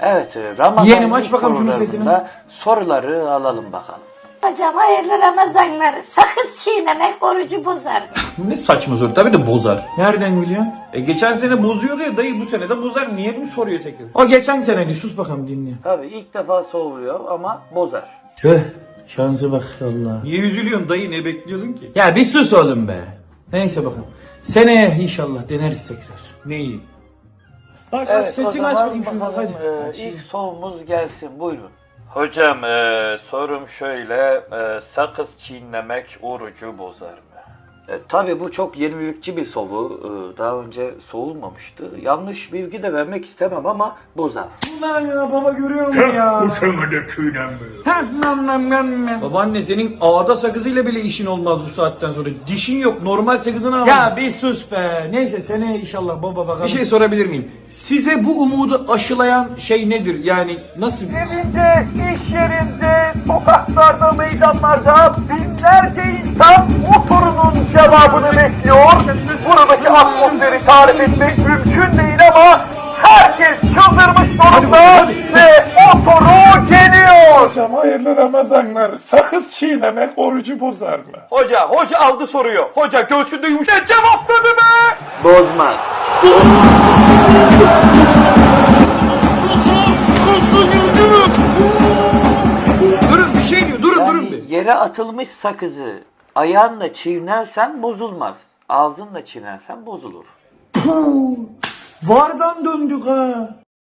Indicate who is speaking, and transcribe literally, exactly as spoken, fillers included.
Speaker 1: Evet, e, Ramazan
Speaker 2: Yeğenim, aç
Speaker 1: ilk
Speaker 2: bakalım şunun
Speaker 1: sorularında soruları alalım bakalım.
Speaker 3: Hocam hayırlı Ramazanlar. Sakız çiğnemek orucu bozar mı?
Speaker 2: Bu ne saçma soru, tabii de bozar. Nereden biliyorsun? E geçen sene bozuyordu ya dayı, bu sene de bozar. Niye mi soruyor tekrar? O geçen seneydi, sus bakalım dinle.
Speaker 1: Tabii ilk defa soruyor ama bozar.
Speaker 2: Tüh, şansı bak Allah. Niye üzülüyorsun dayı, ne bekliyordun ki? Ya bir sus oğlum be. Neyse bakalım. Seneye inşallah deneriz tekrar. Neyi? Bak bak,
Speaker 1: Evet, o
Speaker 2: sesini
Speaker 1: zaman
Speaker 2: aç bakayım şunu,
Speaker 1: bakalım,
Speaker 2: hadi.
Speaker 1: e, ilk sorumuz gelsin, buyurun. Hocam e, sorum şöyle, e, sakız çiğnemek orucu bozar mı? E, tabii bu çok yenilikçi bir soru. E, daha önce sorulmamıştı. Yanlış bilgi de vermek istemem ama bozar.
Speaker 2: Ulan ya baba, görüyor musun ya? Babaanne, senin ağda sakızıyla bile işin olmaz bu saatten sonra. Dişin yok, normal sakızını al. Ya bir sus be. Neyse seneye inşallah baba, bakalım. Bir şey sorabilir miyim? Size bu umudu aşılayan şey nedir? Yani nasıl?
Speaker 4: Evinde, iş yerinde, sokaklarda, meydanlarda binlerce insan o sorunun cevabını bekliyor. Buradaki atmosferi tarif etmek mümkün değil ama herkes çıldırmış durumda ve o soru geliyor.
Speaker 5: Hocam hayırlı Ramazanlar. Sakız çiğnemek orucu bozar mı?
Speaker 4: Hoca, hoca aldı soruyor. Hoca göğsünde yumuşak cevapladı be.
Speaker 1: Bozmaz.
Speaker 2: Durun, bir şey diyor. Durun durun bir.
Speaker 1: Yani yere atılmış sakızı ayağınla çiğnersen bozulmaz. Ağzınla çiğnersen bozulur.
Speaker 2: Puh, vardan döndük ha.